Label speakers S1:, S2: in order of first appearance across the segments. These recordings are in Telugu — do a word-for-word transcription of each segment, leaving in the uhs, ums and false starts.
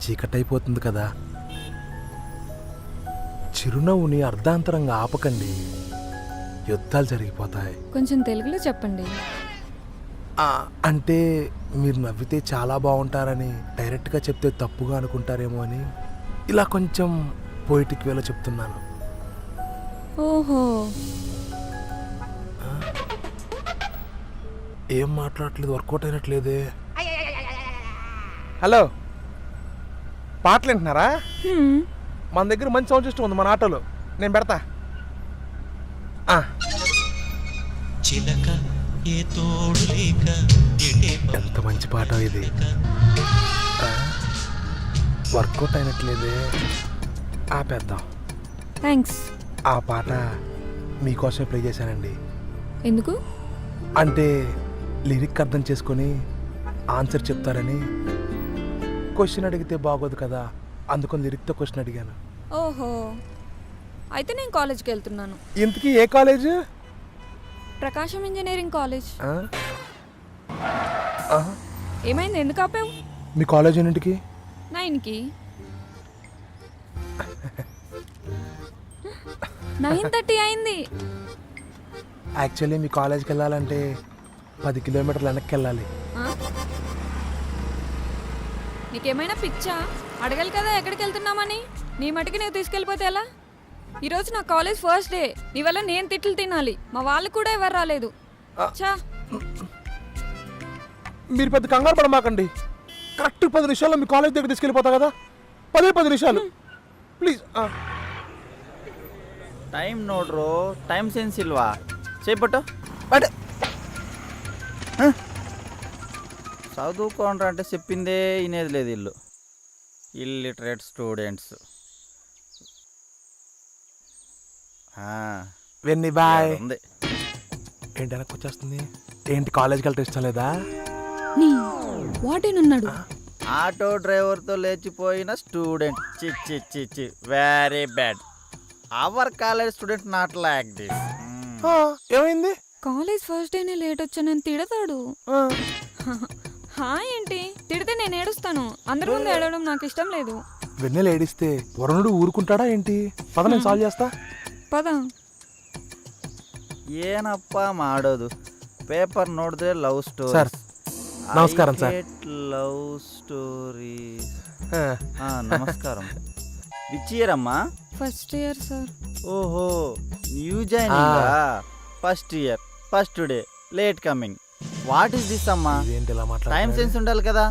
S1: చీకటైపోతుంది కదా. చిరునవ్వుని అర్ధాంతరంగా ఆపకండి, యుద్ధాలు జరిగిపోతాయి.
S2: కొంచెం తెలుగులో చెప్పండి.
S1: ఆ, అంటే మీరు నవ్వితే చాలా బాగుంటారని డైరెక్ట్గా చెప్తే తప్పుగా అనుకుంటారేమో అని ఇలా కొంచెం పోయిటిక్ వేలో చెప్తున్నాను.
S2: ఓహో,
S1: ఏం మాట్లాడట్లేదు, వర్కౌట్ అయినట్లేదే. హలో, పాటలు వింటున్నారా?
S2: హ్మ్.
S1: మన దగ్గర మంచి సౌండ్ సిస్టమ్ ఉంది మన ఆటోలో, నేను పెడతా. ఆ.
S3: చిలక ఏ తోడు లేక
S1: ఎంత మంచి పాట ఇది. వర్కౌట్ అయినట్లేదే, ఆపేద్దాం.
S2: థ్యాంక్స్.
S1: ఆ పాట మీకోసమే ప్లే చేశానండి.
S2: ఎందుకు?
S1: అంటే లిరిక్ అర్థం చేసుకొని ఆన్సర్ చెప్తారని. క్వశ్చన్ అడిగితే బాగోదు కదా, అందుకని లిరిక్తో క్వశ్చన్ అడిగాను.
S2: ఓహో, అయితే నేను కాలేజ్కి వెళ్తున్నాను.
S1: ఇంతకీ ఏ కాలేజ్?
S2: Prakasam engineering college.
S1: ఆ? ఆహా.
S2: ఏమైంది, ఎందుకు ఆపావు?
S1: మీ కాలేజ్ ఎన్నింటికి?
S2: నైన్కి. నైన్ థర్టీ అయింది.
S1: యాక్చువల్లీ మీ కాలేజ్కి వెళ్ళాలంటే పది కిలోమీటర్లు వెనక్కి వెళ్ళాలి.
S2: ఆ? నీకేమైనా పిచ్చా? అడగాలి కదా ఎక్కడికి వెళ్తున్నామని. నీ మటుకి నువ్వు తీసుకెళ్ళిపోతే ఎలా? ఈరోజు నా కాలేజ్ ఫస్ట్ డే, నీ వల్ల నేను తిట్లు తినాలి. మా వాళ్ళు కూడా ఎవరు రాలేదు. చా,
S1: మీరు పెద్ద కంగారు పడమాకండి, కరెక్ట్ పది నిమిషాల్లో మీ కాలేజ్ దగ్గర తీసుకెళ్ళిపోతా కదా. పదే పది నిమిషాలు ప్లీజ్.
S4: టైం నోడ్రో, టైం సెన్స్ ఇల్వా చేపట్టు.
S1: బట్
S4: చదువుకోండ్రా అంటే చెప్పిందే వినేది లేదు ఇల్లు. Illiterate students.
S1: వెన్నీ బాయ్.
S4: ఉంది
S1: ఏంటి వెనక్కి వచ్చేస్తుంది? ఏంటి కాలేజ్కి వెళ్తే ఇష్టం లేదా?
S2: నీ వాటేనున్నాడు.
S4: ఆటో డ్రైవర్తో లేచిపోయిన స్టూడెంట్. చిచ్చి చిచ్చి very bad. Our college student not like this.
S1: ఆ, ఏమైంది?
S2: కాలేజ్ ఫస్ట్ డేనే లేట్ వచ్చానని తిడతాడు.
S1: ఆ,
S2: హాయ్ ఏంటి తిడితే నేను ఏడుస్తాను. అందరి ముందు ఏడవడం నాకు ఇష్టం లేదు.
S1: వెన్నెల ఏడిస్తే వరుణుడు ఊరుకుంటాడా ఏంటి? పద, నేను సాల్వ్ చేస్తా.
S2: పద.
S4: ಏನಪ್ಪ ಮಾಡೋದು? ಪೇಪರ್ ನೋಡಿದ್ರೆ ಲವ್ ಸ್ಟೋರಿ.
S1: ಸರ್, ನಮಸ್ಕಾరం సార్.
S4: Love story.
S1: ఆ,
S4: నమస్కారం. విచ్ ఇయర్ అమ్మా?
S2: First year sir.
S4: ఓహో, new joining. First year, first day, late coming. What is this అమ్మా?
S1: ఇదేంటి ఇలా
S4: టైం
S1: మాట్లాడుతున్నారు?
S4: సెన్స్ ఉండాలి కదా.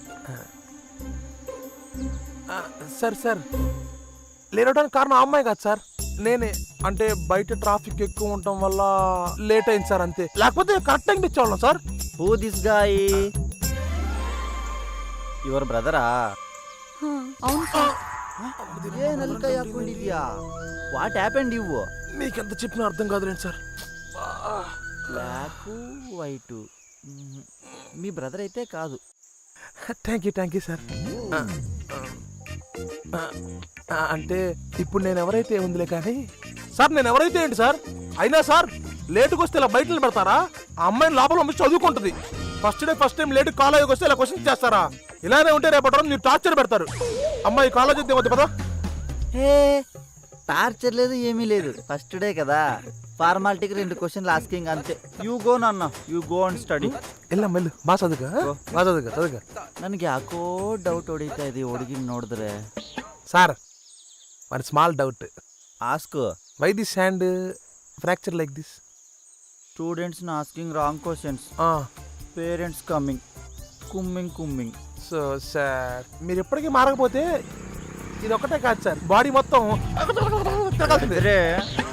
S1: ఆ, సార్ సార్ లేరవడానికి కారణం ఆ అమ్మాయి కాదు సార్, నేనే. అంటే బయట ట్రాఫిక్ ఎక్కువ ఉండటం వల్ల లేట్ అయింది సార్, అంతే. లేకపోతే కరెక్ట్ టైంకి ఇచ్చేవాళ్ళం sir.
S4: Who this guy? Your బ్రదరా?
S2: హా, అవును సార్.
S4: ಏನಲ್ಕೈ ಹಾಕೊಂಡಿದ್ಯಾ? What happened you?
S1: మీకెంత చెప్పినా అర్థం కాదులేండి సార్.
S4: Black white. మీ బ్రదర్ అయితే కాదు.
S1: Thank you thank you sir. అంటే ఇప్పుడు నేను ఎవరైతే ఉందిలే కానీ సార్, నేను ఎవరైతే ఏంటి సార్? అయినా సార్ లేటుకు వస్తే ఇలా బయట పెడతారా? ఆ అమ్మాయిని లోపల పంపించి చదువుకుంటుంది. First day first time late కాలేజీకి వస్తే ఇలా క్వశ్చన్ చేస్తారా? ఇలానే ఉంటే రేపటి రోజు మీరు టార్చర్ పెడతారు. అమ్మాయి కాలేజ్ వద్ద వద్దు కదా.
S4: ఏ టార్చర్ లేదు, ఏమీ లేదు. ఫస్ట్ డే కదా, ఫార్మాలిటీకి రెండు క్వశ్చన్లు ఆస్కింగ్ అంతే. యూ గో నాన్న, యూ గో అండ్ స్టడీ.
S1: వెళ్ళాం వెళ్ళు, బా చదువుగా బా చదువుగా చదువుగా.
S4: ನನಗೆ ಯಾಕೋ ಡೌಟ್ ಹೊಡಿತಾ ಇದೆ ಹುಡುಗಿನ ನೋಡಿದ್ರೆ.
S1: Sir, one small doubt.
S4: Ask.
S1: Why this hand fracture like this?
S4: Students asking wrong questions. Parents coming, కుమ్మింగ్ కుమ్మింగ్.
S1: సో సార్, మీరు ఎప్పటికీ మారకపోతే ఇది ఒక్కటే కాదు సార్, బాడీ మొత్తం తిరగాల్సిందే.
S4: అరే